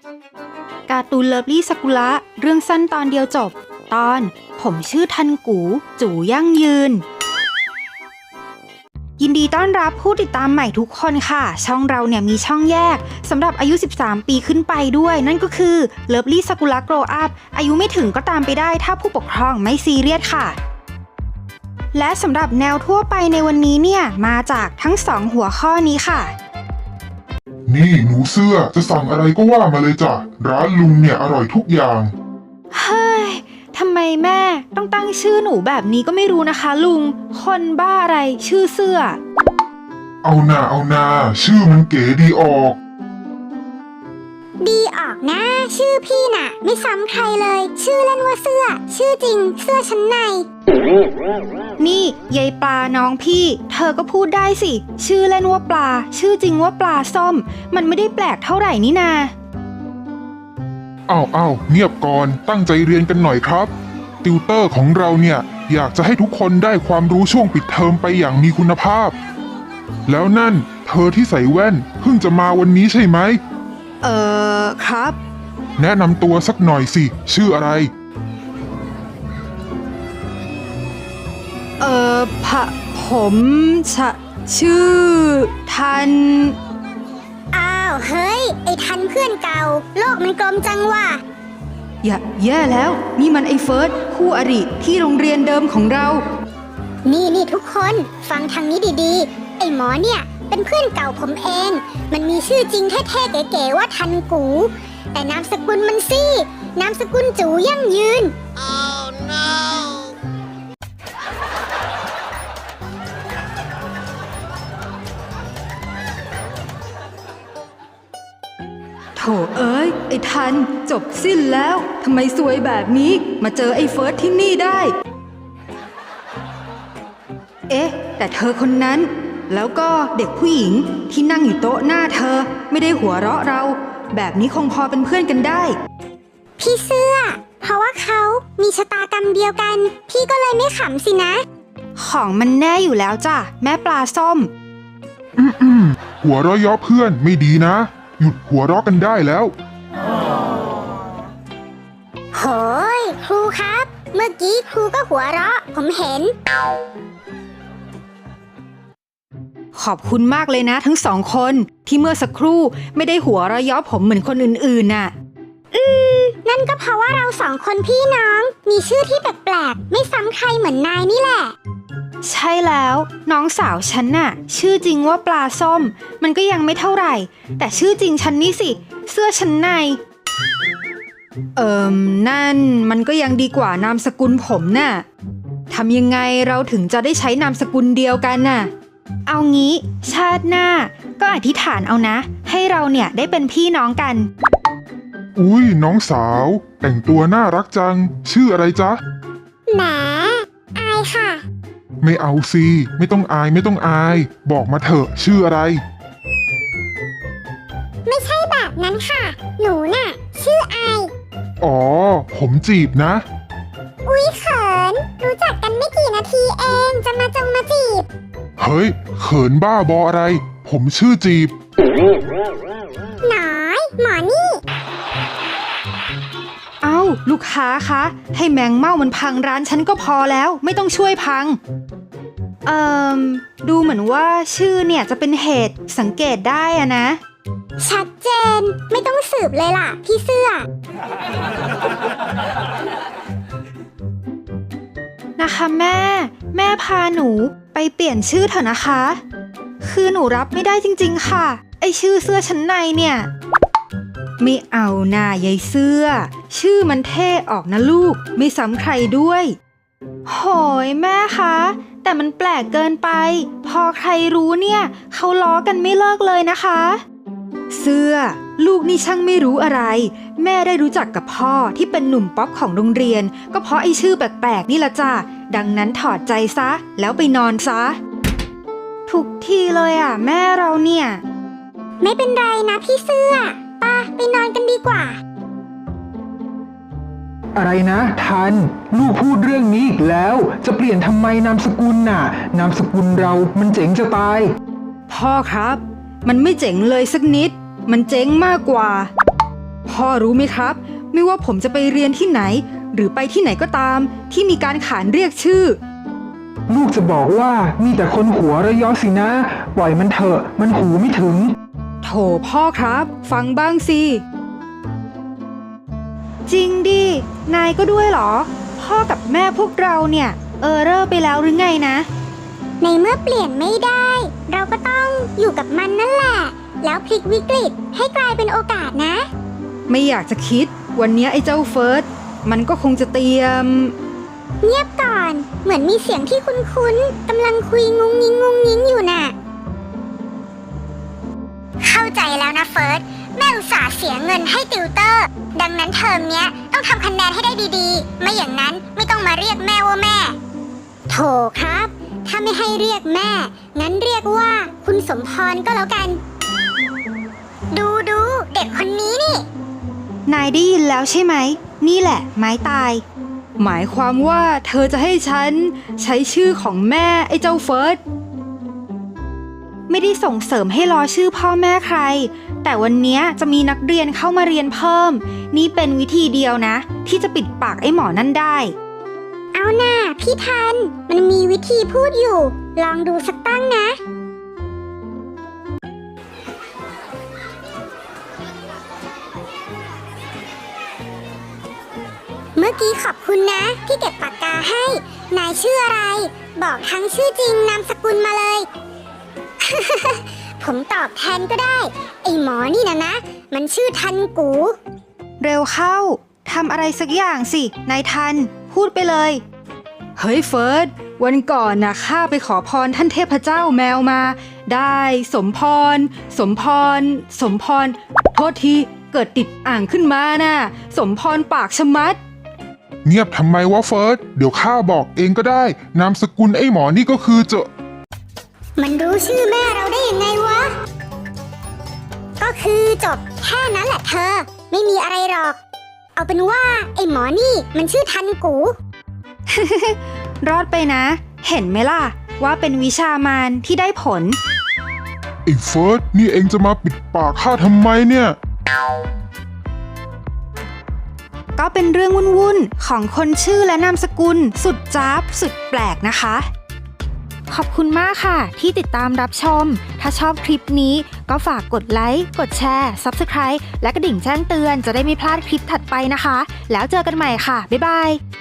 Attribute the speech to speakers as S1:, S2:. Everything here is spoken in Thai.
S1: การ์ตูนเลิฟลี่ซากุระเรื่องสั้นตอนเดียวจบตอนผมชื่อทันกูจู่ยั่งยืนยินดีต้อนรับผู้ติดตามใหม่ทุกคนค่ะช่องเราเนี่ยมีช่องแยกสำหรับอายุ13ปีขึ้นไปด้วยนั่นก็คือเลิฟลี่ซากุระโกรว์อัพอายุไม่ถึงก็ตามไปได้ถ้าผู้ปกครองไม่ซีเรียสค่ะและสำหรับแนวทั่วไปในวันนี้เนี่ยมาจากทั้ง2หัวข้อนี้ค่ะ
S2: นี่หนูเสื้อจะสั่งอะไรก็ว่ามาเลยจ้ะร้านลุงเนี่ยอร่อยทุกอย่าง
S1: เฮ้ยทำไมแม่ต้องตั้งชื่อหนูแบบนี้ก็ไม่รู้นะคะลุงคนบ้าอะไรชื่อเสื้อ
S2: เอาหน้าชื่อมันเก๋ดีออก
S3: ดีออกนะชื่อพี่น่ะไม่ซ้ำใครเลยชื่อเล่นว่าเสื้อชื่อจริงเสื้อชั้นใน
S1: นี่ยายปลาน้องพี่เธอก็พูดได้สิชื่อเล่นว่าปลาชื่อจริงว่าปลาส้มมันไม่ได้แปลกเท่าไหร่นี่นา
S2: อ้าวเงียบก่อนตั้งใจเรียนกันหน่อยครับติวเตอร์ของเราเนี่ยอยากจะให้ทุกคนได้ความรู้ช่วงปิดเทอมไปอย่างมีคุณภาพแล้วนั่นเธอที่ใส่แว่นเพิ่งจะมาวันนี้ใช่ไหม
S1: ครับ
S2: แนะนำตัวสักหน่อยสิชื่ออะไร
S1: ผมชื่อทัน
S3: อ้าวเฮ้ยไอ้ทันเพื่อนเก่าโลกมันกลมจังว่ะ
S1: แย่แล้วนี่มันไอ้เฟิร์สคู่อริที่โรงเรียนเดิมของเรา
S3: นี่ทุกคนฟังทางนี้ดีๆไอ้หมอเนี่ยเป็นเพื่อนเก่าผมเองมันมีชื่อจริงเท่ๆเก๋ๆว่าทันกูแต่นามสกุลมันสินามสกุลจูยั่งยืน Oh no
S1: โถเอ้ยไอ้ทันจบสิ้นแล้วทำไมซวยแบบนี้มาเจอไอ้เฟิร์สที่นี่ได้เอ๊ะแต่เธอคนนั้นแล้วก็เด็กผู้หญิงที่นั่งอยู่โต๊ะหน้าเธอไม่ได้หัวเราะเราแบบนี้คงพอเป็นเพื่อนกันได้
S3: พี่เสื้อเพราะว่าเขามีชะตากรรมเดียวกันพี่ก็เลยไม่ขำสินะ
S1: ของมันแน่อยู่แล้วจ้ะแม่ปลาส้ม
S2: หัวเราะเยาะเพื่อนไม่ดีนะหยุดหัวเราะกันได้แล้ว
S3: โหยครูครับเมื่อกี้ครูก็หัวเราะผมเห็น
S1: ขอบคุณมากเลยนะทั้ง2คนที่เมื่อสักครู่ไม่ได้หัวเราะเยาะผมเหมือนคนอื่นๆน่ะ
S3: นั่นก็เพราะว่าเรา2คนพี่น้องมีชื่อที่แปลกๆไม่ซ้ำใครเหมือนนายนี่แหละ
S1: ใช่แล้วน้องสาวฉันน่ะชื่อจริงว่าปลาส้มมันก็ยังไม่เท่าไหร่แต่ชื่อจริงฉันนี่สิเสื้อชั้นในนั่นมันก็ยังดีกว่านามสกุลผมน่ะทำยังไงเราถึงจะได้ใช้นามสกุลเดียวกันน่ะเอางี้ชาติหน้าก็อธิษฐานเอานะให้เราเนี่ยได้เป็นพี่น้องกัน
S2: อุ้ยน้องสาวแต่งตัวน่ารักจังชื่ออะไรจ๊ะ
S3: แหมอายค่ะ
S2: ไม่เอาสิไม่ต้องอายบอกมาเถอะชื่ออะไร
S3: ไม่ใช่แบบนั้นค่ะหนูน่ะชื่ออาย
S2: อ๋อผมจีบนะ
S3: อุ๊ยเขินรู้จักกันไม่กี่นาทีเองจะมาจีบ
S2: เฮ้ยเขินบ้าบออะไรผมชื่อจีบ
S3: น้อยหมอนี่
S1: เอ้าลูกค้าคะให้แมงเม่ามันพังร้านฉันก็พอแล้วไม่ต้องช่วยพังดูเหมือนว่าชื่อเนี่ยจะเป็นเหตุสังเกตได้อะนะ
S3: ชัดเจนไม่ต้องสืบเลยล่ะพี่เสื้อ
S1: นะคะแม่พาหนูไปเปลี่ยนชื่อเถอะนะคะคือหนูรับไม่ได้จริงๆค่ะไอชื่อเสื้อชั้นในเนี่ยไม่เอาหน้ายายเสื้อชื่อมันเท่ออกนะลูกไม่ซ้ำใครด้วยโหยแม่คะแต่มันแปลกเกินไปพอใครรู้เนี่ยเขาล้อกันไม่เลิกเลยนะคะเสื้อลูกนี่ช่างไม่รู้อะไรแม่ได้รู้จักกับพ่อที่เป็นหนุ่มป๊อปของโรงเรียนก็เพราะไอ้ชื่อแปลกๆนี่ละจ้ะดังนั้นถอดใจซะแล้วไปนอนซะทุกทีเลยอ่ะแม่เราเนี่ย
S3: ไม่เป็นไรนะพี่เสื้อไปนอนกันดีกว่า
S4: อะไรนะทันลูกพูดเรื่องนี้อีกแล้วจะเปลี่ยนทำไมนามสกุลน่ะนามสกุลเรามันเจ๋งจะตาย
S1: พ่อครับมันไม่เจ๋งเลยสักนิดมันเจ๋งมากกว่าพ่อรู้ไหมครับ ไม่ว่าผมจะไปเรียนที่ไหน หรือไปที่ไหนก็ตาม ที่มีการขานเรียกชื่อ
S4: ลูกจะบอกว่ามีแต่คนหัวระยอสินะ ปล่อยมันเถอะ มันหูไม่ถึง
S1: โถพ่อครับ ฟังบ้างสิ จริงดิ นายก็ด้วยเหรอ พ่อกับแม่พวกเราเนี่ย เรอไปแล้วหรือไงนะ
S3: ในเมื่อเปลี่ยนไม่ได้ เราก็ต้องอยู่กับมันนั่นแหละ แล้วพลิกวิกฤตให้กลายเป็นโอกาสนะ
S1: ไม่อยากจะคิด วันนี้ไอ้เจ้าเฟิร์สมันก็คงจะเตรียม
S3: เงียบก่อน เหมือนมีเสียงที่คุ้นๆกำลังคุยงุ้งงิ้งอยู่น่ะ เข้าใจแล้วนะเฟิร์ส แม่อุตส่าห์เสียเงินให้ติวเตอร์ ดังนั้นเทอมเนี้ยต้องทำคะแนนให้ได้ดีๆ ไม่อย่างนั้นไม่ต้องมาเรียกแม่ว่าแม่ โถครับ ถ้าไม่ให้เรียกแม่ งั้นเรียกว่าคุณสมพรก็แล้วกัน ดูเด็กคนนี้นี่
S1: นายได้ยินแล้วใช่ไหม นี่แหละ ไม้ตาย หมายความว่าเธอจะให้ฉันใช้ชื่อของแม่ไอ้เจ้าเฟิร์ส ไม่ได้ส่งเสริมให้ล้อชื่อพ่อแม่ใคร แต่วันนี้จะมีนักเรียนเข้ามาเรียนเพิ่ม นี่เป็นวิธีเดียวนะ ที่จะปิดปากไอ้หมอนั่นได้
S3: เอาหน่าพี่ทัน มันมีวิธีพูดอยู่ ลองดูสักตั้งนะ เมื่อกี้ขอบคุณนะที่เก็บปากกาให้ นายชื่ออะไร บอกทั้งชื่อจริงนามสกุลมาเลย ผมตอบแทนก็ได้ ไอ้หมอนี่นะ มันชื่อทันกู
S1: เร็วเข้า ทำอะไรสักอย่างสิ นายทัน พูดไปเลย เฮ้ยเฟิร์ส วันก่อนนะข้าไปขอพรท่านเทพเจ้าแมวมา ได้สมพร โทษที เกิดติดอ่างขึ้นมาน่ะ สมพรปากชะมัด
S2: เงียบทำไมวะเฟิร์ส เดี๋ยวข้าบอกเองก็ได้ นามสกุลไอ้หมอนี่ก็คือเจอ
S3: มันรู้ชื่อแม่เราได้ยังไงวะ ก็คือจบแค่นั้นแหละเธอ ไม่มีอะไรหรอก เอาเป็นว่าไอ้หมอนี่มันชื่อทันกู
S1: รอดไปนะ เห็นไหมล่ะ ว่าเป็นวิชามารที่ได้ผล
S2: ไอ้เฟิร์ส นี่เองจะมาปิดปากข้าทำไมเนี่ย
S1: ก็เป็นเรื่องวุ่นๆของคนชื่อและนามสกุลสุดจ๊าบสุดแปลกนะคะ ขอบคุณมากค่ะที่ติดตามรับชม ถ้าชอบคลิปนี้ก็ฝากกดไลค์ กดแชร์ Subscribe และกระดิ่งแจ้งเตือนจะได้ไม่พลาดคลิปถัดไปนะคะ แล้วเจอกันใหม่ค่ะ บ๊ายบาย